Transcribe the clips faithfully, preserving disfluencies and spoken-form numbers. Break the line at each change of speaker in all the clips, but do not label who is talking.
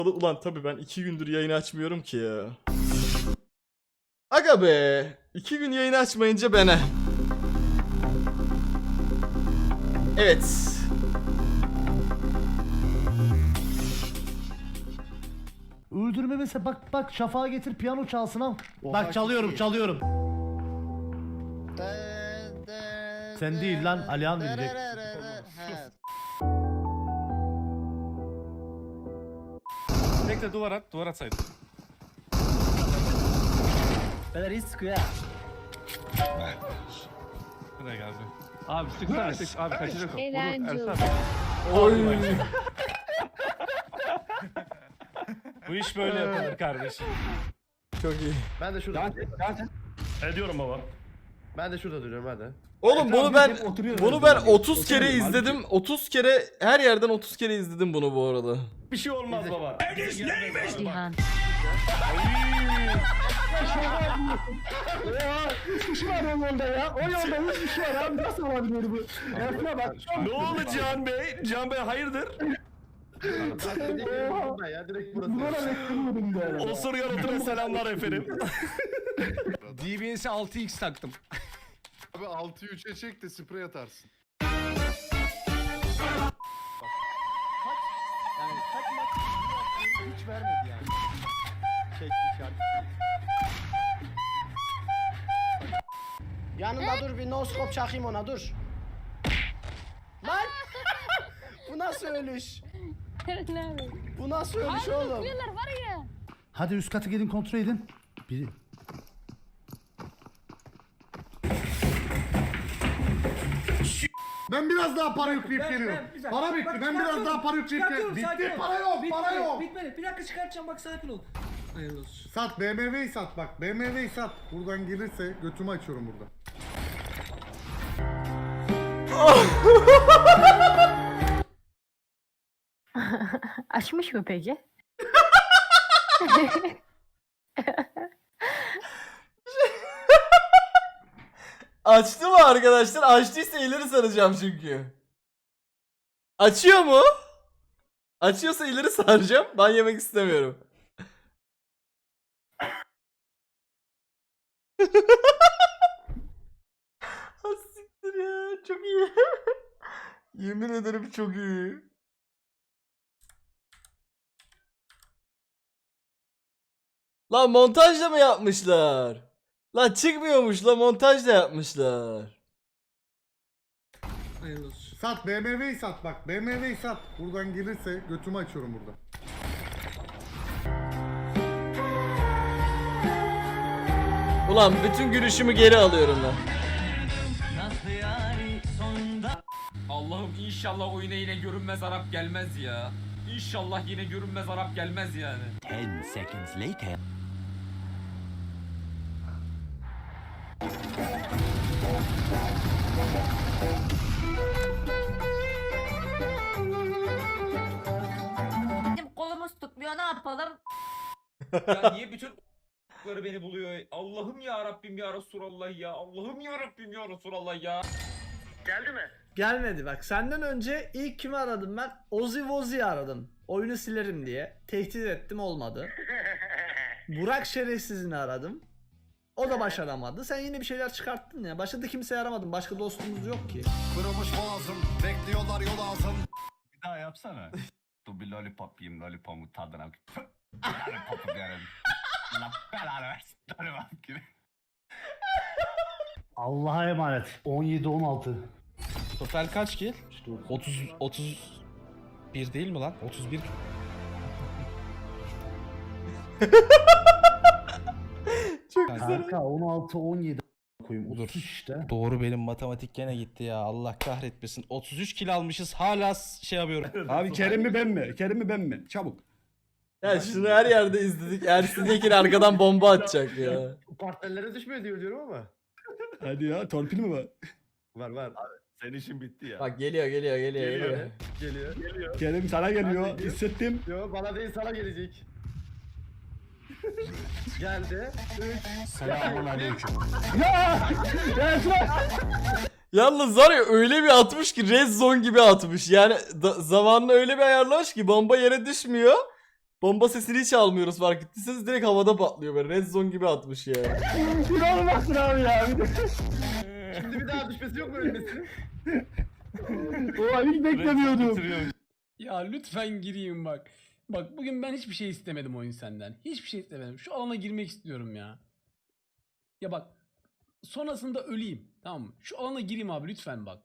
Ulan tabii ben iki gündür yayını açmıyorum ki ya. Aga be. iki gün yayını açmayınca bana. Evet.
Öldürme mesela bak bak şafağa getir piyano çalsın al. Bak çalıyorum çalıyorum. Sen değil lan Alihan diyecek.
Bekle duvar at, duvar atsaydın.
Beyler iyi sıkıyor ya.
Buraya geldi. Abi sıksana sık, abi kaçacak o. Vurur
Eğlenceli.
Ersan.
Oy.
Bu iş böyle yapılır kardeşim.
Çok iyi.
Ben de şurada.
Ediyorum baba.
Ben de şurada duruyorum hadi.
Oğlum bunu ben bunu ben otuz kere izledim. otuz kere her yerden otuz kere izledim bunu bu arada.
Bir şey olmaz baba.
Cihan.
Ne oldu Cihan Bey? Cihan Bey hayırdır?
Ben ya direkt burası.
Osurgan oturan selamlar efendim.
D B S'e altı x taktım.
Abi altıyı üçe çek de sprey atarsın.
Yani kaç maç hiç vermedi yani. Çek işaret.
Yanında dur bir noskop çakayım ona dur. Lan! Bu nasıl ölüş?
Nerede?
Bu nasıl ölüş
Abi
oğlum?
okuyorlar var ya.
Hadi üst katı gelin kontrol edin. Biri.
Ben biraz daha para yükleyip geliyorum. Para bitti. Ben biraz daha para yükleyip geliyorum. Bitti. Para yok. Para yok.
Bitmedi. Bir dakika çıkartacağım bak sakin ol. Hayırlı olsun.
Sat. B M W'yi sat bak. B M W'yi sat. Buradan gelirse götümü açıyorum burada.
Açmış mı peki?
Açtı mı arkadaşlar? Açtıysa ileri saracağım çünkü. Açıyor mu? Açıyorsa ileri saracağım. Ben yemek istemiyorum. Ha, siktir ya. Çok iyi. Yemin ederim çok iyi. Lan montajla mı yapmışlar? Lan çıkmıyormuş la, montajla yapmışlar.
Hayırlı olsun.
Sat. B M W'yi sat bak. B M W'yi sat. Buradan gelirse götümü açıyorum burada.
Ulan bütün gülüşümü geri alıyorum lan.
Allah'ım inşallah oyuna yine görünmez Arap gelmez ya. İnşallah yine görünmez Arap gelmez yani.
ten seconds later.
Bizim kolumuz tutmuyor ne yapalım?
Ya niye bütün ***'ları beni buluyor? Allah'ım ya Rabbim ya Resulallah ya. Allah'ım ya Rabbim ya Resulallah ya.
Gelmedi bak senden önce ilk kimi aradım ben? Ozzy Wozzy'yi aradım. Oyunu silerim diye. Tehdit ettim olmadı. Burak şerefsizini aradım. O da başaramadı. Sen yine bir şeyler çıkarttın ya. Başka da kimseyi aramadın. Başka dostumuz yok ki.
Kırılmış boğazım, bekliyorlar yol ağzım. Bir daha yapsana. Dur bir lollipop yiyeyim, lollipop'un tadına. Lollipop'u yerim. Allah belanı versin. Lollipop gibi.
Allah'a emanet. on yedi on altı.
Total kaç kill? otuz otuz bir değil mi lan? otuz bir.
Çok güzel.
Kanka on altı on yedi koyayım.
Dur.
otuz işte.
Doğru, benim matematik gene gitti ya. Allah kahretmesin. otuz üç kill almışız. Hala s- şey yapıyorum.
Abi Kerim mi ben mi? Kerim mi ben mi? Çabuk.
Ya şunu her yerde izledik. Ersin Yekin arkadan bomba atacak ya.
Partnerlere düşmüyor diyor diyorum ama.
Hadi ya. Torpil mi var?
Var var.
Senin işin bitti ya.
Bak geliyor geliyor geliyor geliyor.
Geliyor.
Kerim sana geliyor.
Hadi.
Hissettim.
Yo bana değil sana gelecek. Geldi. üç.
Selamun aleyküm.
Yalnız var ya öyle bir atmış ki Red Zone gibi atmış. Yani da, zamanını öyle bir ayarlamış ki bomba yere düşmüyor. Bomba sesini hiç almıyoruz fark ettiyseniz, direkt havada patlıyor böyle. Red zone gibi atmış ya.
İnanılmazsın abi ya. Bir de.
Şimdi bir daha düşmesi yok mu ölmesi?
Ulan hiç beklemiyordum.
Ya lütfen gireyim bak. Bak bugün ben hiçbir şey istemedim oyun senden. Hiçbir şey istemedim. Şu alana girmek istiyorum ya. Ya bak. Sonrasında öleyim. Tamam mı? Şu alana gireyim abi lütfen bak.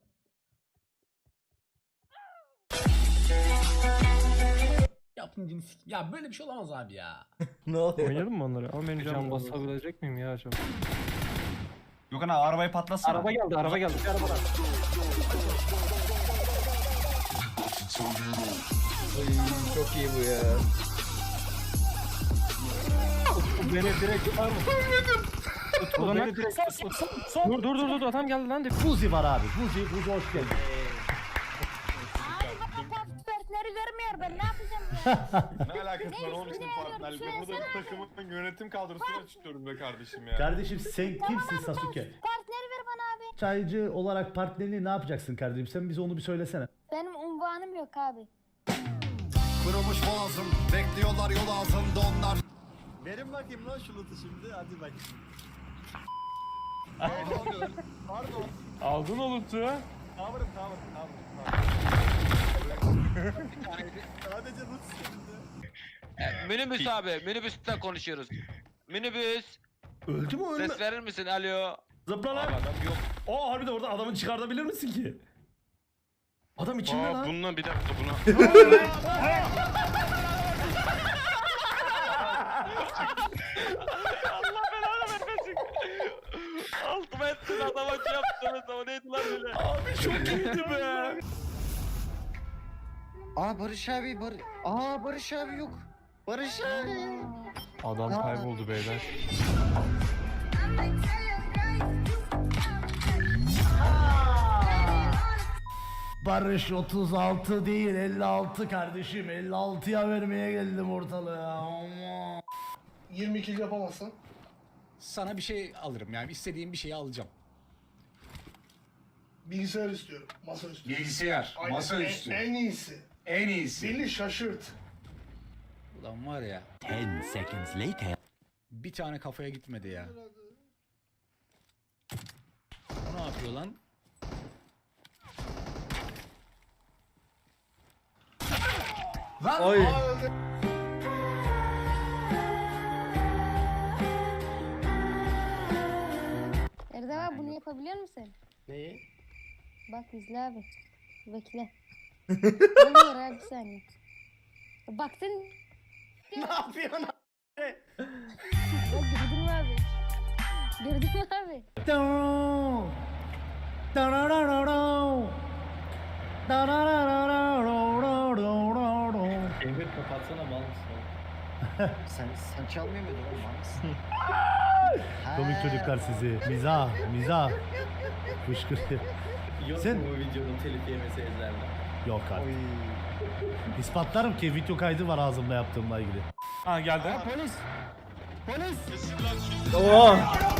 Yaptın sik. Ya böyle bir şey olamaz abi ya.
Ne oluyor?
Oynayalım mı onları? Ama benim canım basabilecek miyim ya acaba?
Gökhan abi arabayı patlasana.
Araba geldi, araba geldi. Bir araba var.
Ay, çok iyi bu ya.
Beni direkt tutar mı? Utku beni direkt Dur dur dur dur adam geldi lan.
Buzi var abi. Buzi, Buzi hoş geldin.
Abi bana partneri vermiyor ben ne yapacağım ya?
Ne alakası var oğlum senin partnerlikle? Burada takımın yönetim kadrosunu açıklıyorum be kardeşim ya.
Kardeşim sen kimsin Sasuke?
Partneri ver bana abi.
Çaycı olarak partnerini ne yapacaksın kardeşim? Sen bize onu bir söylesene.
Benim unvanım yok abi.
Kırılmış boğazım, bekliyorlar yol ağzında onlar.
Verin bakayım lan şu loot'u şimdi. Hadi bak. Pardon.
Aldın o loot'u.
Cover'ım cover'ım cover'ım. Sadece loot şimdi.
Minibüs abi, minibüsten konuşuyoruz. Minibüs,
Öldü mü ölme?
ses verir misin? Alo.
Zıpla lan.
Abi adam yok.
Aa harbiden orada adamı çıkartabilir misin ki? Adam içinde lan.
Bununla bir dakika buna.
Altıma ettin adama şey yaptınız ama neydi lan öyle?
Abi çok iyiydi be.
Aa Barış abi Bar Aa Barış abi yok. Barış abi.
Adam kayboldu beyler.
Barış otuz altı değil elli altı kardeşim. elli altıya vermeye geldim ortalığa. Aman.
yirmi iki yapamazsan.
Sana bir şey alırım yani istediğim bir şeyi alacağım.
Bilgisayar istiyorum. Masa istiyorum.
Bilgisayar, masaüstü.
En, en iyisi.
En iyisi.
Beni şaşırt.
Ulan var ya.
ten seconds later.
Bir tane kafaya gitmedi ya. O ne yapıyor lan?
Ay.
Erdem abi bunu yapabiliyor musun?
Neyi?
Bak izle abi. Bekle. Oluyor abi bir saniye. Baktın.
Ne yapıyorsun abi?
Bak gördün mü abi? Gördün mü abi?
Doo. Dararararo. Dararararararararo.
Emir kapatsana mal mısın? sen sen çalmıyor muydun oğlum mal mısın?
Komik çocuklar sizi. Mizah, mizah. Fışkırıyor.
Yok
Sen-
mu bu videonun telif yemesi ezlerle?
Yok artık. İspatlarım ki video kaydı var ağzımda yaptığımla ilgili.
Ha geldi.
Aa polis! Polis!
Oo.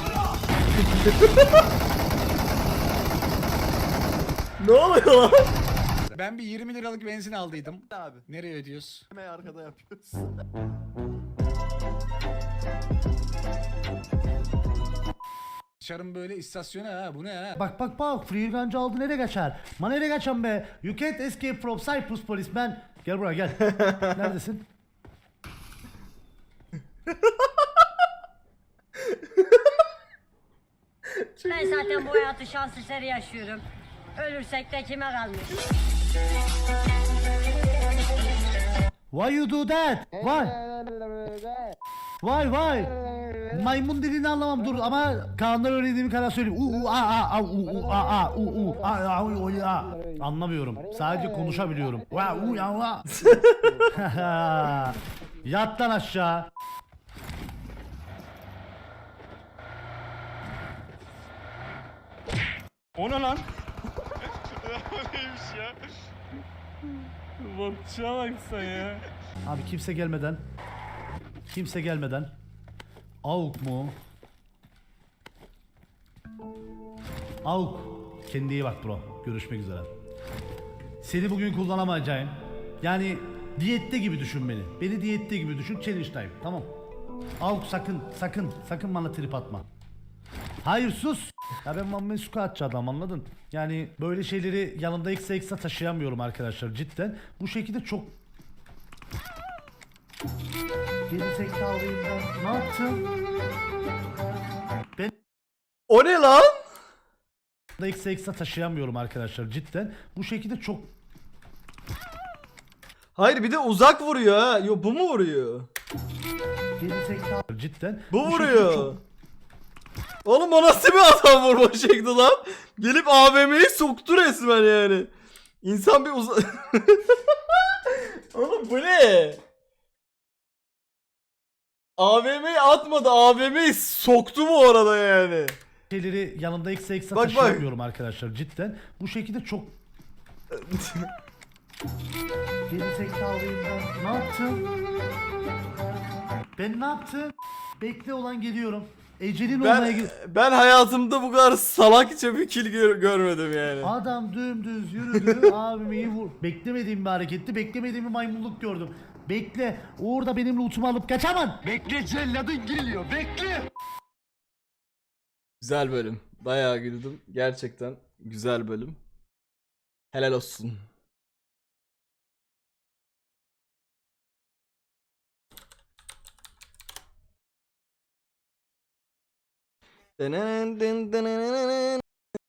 Ne oluyor lan?
Ben bir yirmi liralık benzin aldıydım.
Abi.
Nereye ödüyoruz?
Hemen arkada yapıyoruz.
Dışarım böyle istasyona ha bu ne ha?
Bak bak bak free gancı aldı nereye kaçar? Ma nereye kaçan be? You can't escape from Cyprus policeman. Gel buraya gel. Neredesin?
Ben zaten bu hayatı şans eseri yaşıyorum. Ölürsek de kime kalmış?
Why you do that? Why? Why why? Maymun dilini anlamam dur ama Kaan'dan öğrendiğim kadar söyleyeyim. U u a a a u u a a u u a a u u a. Anlamıyorum. Sadece konuşabiliyorum. Va u ya va. Yat lan aşağı.
O ne lan? O neymiş ya? Bakışa bak sen ya.
Abi kimse gelmeden. Kimse gelmeden. Avuk mu? Avuk. Kendine iyi bak bro. Görüşmek üzere. Seni bugün kullanamayacağım. Yani Diyette gibi düşün beni. Beni diyette gibi düşün. Challenge time. Tamam. Al sakın sakın sakın bana trip atma. Hayır sus. Ya ben Van Mesuka atçı adam anladın? Yani böyle şeyleri yanımda eksa eksa taşıyamıyorum arkadaşlar cidden. Bu şekilde çok... Geri zekalıyım ben. Ne yaptım? Ben
O ne lan?
da eksa eksa taşıyamıyorum arkadaşlar cidden. Bu şekilde çok...
Hayır bir de uzak vuruyor ha. Yo bu mu vuruyor?
Geri zekalı cidden.
Bu
şekilde
vuruyor.
çok-
Oğlum o nasıl bir adam vurma şekli lan? Gelip A V M'yi soktu resmen yani. İnsan bir uza... Oğlum bu ne? A V M'yi atmadı. A V M'yi soktu bu arada yani.
şeyleri yanımda eksa eksa
Bak, bak.
taşıyamıyorum arkadaşlar cidden. Bu şekilde çok... Geri zekalıyım ben. Ne yaptım? Ben ne yaptım? Bekle olan geliyorum. Ecelin olmaya
Ben,
gel...
ben hayatımda bu kadar salakça bir kill gör- görmedim yani.
Adam dümdüz yürüdü. Abimi vur. Beklemediğim bir hareketti. Beklemediğim bir maymunluk gördüm. Bekle. Orada benim lootumu alıp kaçamam.
Bekle celladın geliyor bekle.
Güzel bölüm. Bayağı güldüm. Gerçekten güzel bölüm. Helal olsun.